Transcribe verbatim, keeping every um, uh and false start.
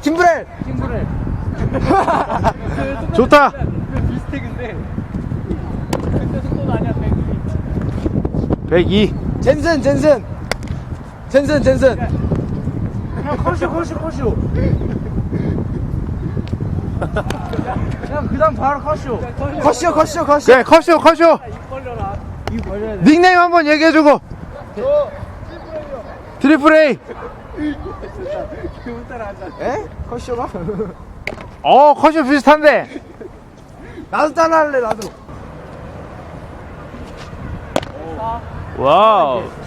김브렐. 팀브렐. 좋다. 비슷해 근데. 근데 속도는 아니야 백이. 백이. 젠슨 젠슨. 젠슨 젠슨. 그냥 컷쇼 컷쇼 컷쇼. 그냥 그다음 바로 컷쇼. 컷쇼 컷쇼 컷쇼. 그래, 컷쇼, 컷쇼. 입 벌려라. 입 벌려야 돼. 닉네임 한번 얘기해주고. 트리플 A. 그 따라하자. 에? 컷쇼가? 어, 컷쇼 비슷한데. 나도 따라할래 나도. 와우.